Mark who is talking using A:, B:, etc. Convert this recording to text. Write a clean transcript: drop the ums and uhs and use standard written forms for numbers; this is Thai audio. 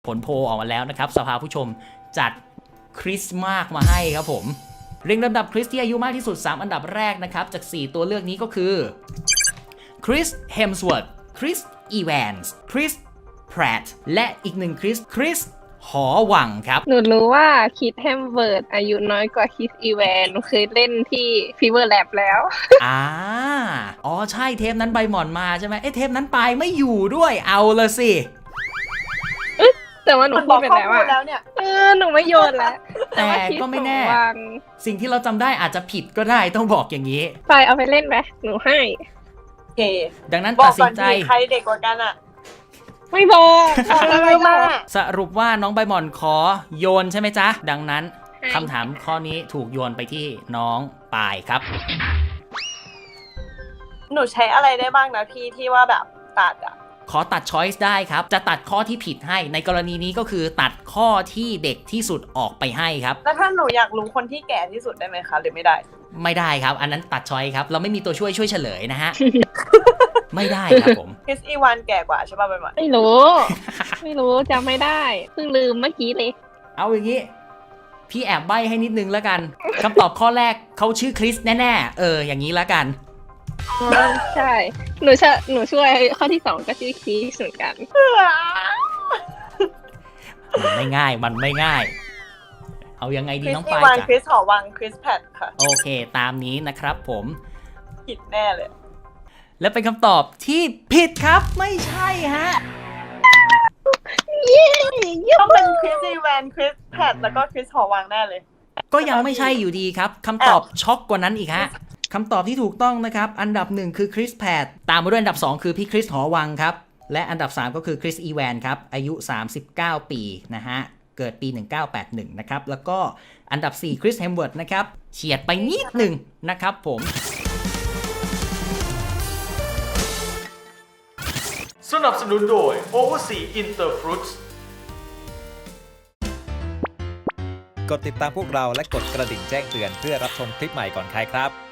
A: ผลโพลออกมาแล้วนะครับสภาผู้ชมจัดคริสมากมาให้ครับผมเรียงลำดับคริสที่อายุมากที่สุด3อันดับแรกนะครับจาก4ตัวเลือกนี้ก็คือคริสเฮมสเวิร์ธคริสอีแวนส์คริสแพรตและอีกหนึ่งคริสหอวังครับ
B: หนูรู้ว่าคิดแฮมเวิร์ดอายุน้อยกว่าคิสอีแวนหนูเคยเล่นที่ฟีเวอร์แลบแล้ว
A: อ๋อใช่เทปนั้นใบหมอนมาใช่ไหมเทปนั้นปายไม่อยู่ด้วยเอาละสิ
B: แต่ว่าหนูพูดไปแล้วอะ
C: แล้วเนี่ย
B: หนูไม่โยนแล้ว
A: แต่ก็ไม่แน่
B: วาง
A: สิ่งที่เราจำได้อาจจะผิดก็ได้ต้องบอกอย่างนี้
B: ไปเอาไปเล่นไหมหนูให้
C: โอเค
A: ดังนั้น
C: บอ
A: ตั
C: ก
A: ดสิ
C: ก่อน
A: นใจ
C: ดีใครเด็กกว่ากันอ่ะ
B: ไม่บอกบอก
C: อะไร
B: ไม่บ
C: มา
B: อก
A: สรุปว่าน้องใบหมอนขอโยนใช่ไหมจ๊ะ ดังนั้นคำถามข้อนี้ถูกโยนไปที่น้องปายครับ
C: หนูใช้อะไรได้บ้างนะพี่ที่ว่าแบบตัดอ่ะ
A: ขอตัดช้อยส์ได้ครับ จะตัดข้อที่ผิดให้ในกรณีนี้ก็คือตัดข้อที่เด็กที่สุดออกไปให้ครับ
C: แล้วถ้าหนูอยากรู้คนที่แก่ที่สุดได้ไหมคะหรือไม่ได้
A: ไม่ได้ครับ อันนั้นตัดช้อยส์ครับเราไม่มีตัวช่วยเฉลยนะฮะ ไม่ได้ครับผม
C: คริสอีวานแก่กว่าใช่ป่ะใบหมอน
B: ไม่รู้ ไม่รู้จำไม่ได้เพิ่งลืมเมื่อกี้เลย
A: เอาอย่างนี้ พี่แอบใบ้ให้นิดนึงแล้วกันคำตอบข้อแรกเขาชื่อคริสแน่ๆอย่างนี้แล้วกัน
B: ใช่หนูช่วยข้อที่2ก็ชื่อคีสเหมือนกัน
A: มันไม่ง่าย เอายังไง
C: ค
A: ดี
C: ริส
A: น้อง
C: อี
A: ปายว
C: าน
A: จ้ะ
C: คริสหอวังคริสแพดค่ะ
A: โอเค ตามนี้นะครับผม
C: ผิดแน่เลย
A: และเป็นคำตอบที่ผิดครับไม่ใช่ฮะ
B: เย้
C: ต้องเป็นคริสอีวานคริสแพดแล้วก็คริสหอวังแน่เลย
A: ก็ยังไม่ใช่อยู่ดีครับคำตอบช็อกกว่านั้นอีกฮะคำตอบที่ถูกต้องนะครับอันดับ1คือคริสแพดตามมาด้วยอันดับ2คือพี่คริสหอวังครับและอันดับ3ก็คือคริสอีแวนครับอายุ39ปีนะฮะเกิดปี1981นะครับแล้วก็อันดับ4คริสเฮมเวิร์ดนะครับเฉียดไปนิดหนึ่งนะครับผม
D: สนับสนุนโดย Oversea Interfruits
E: กดติดตามพวกเราและกดกระดิ่งแจ้งเตือนเพื่อรับชมคลิปใหม่ก่อนใครครับ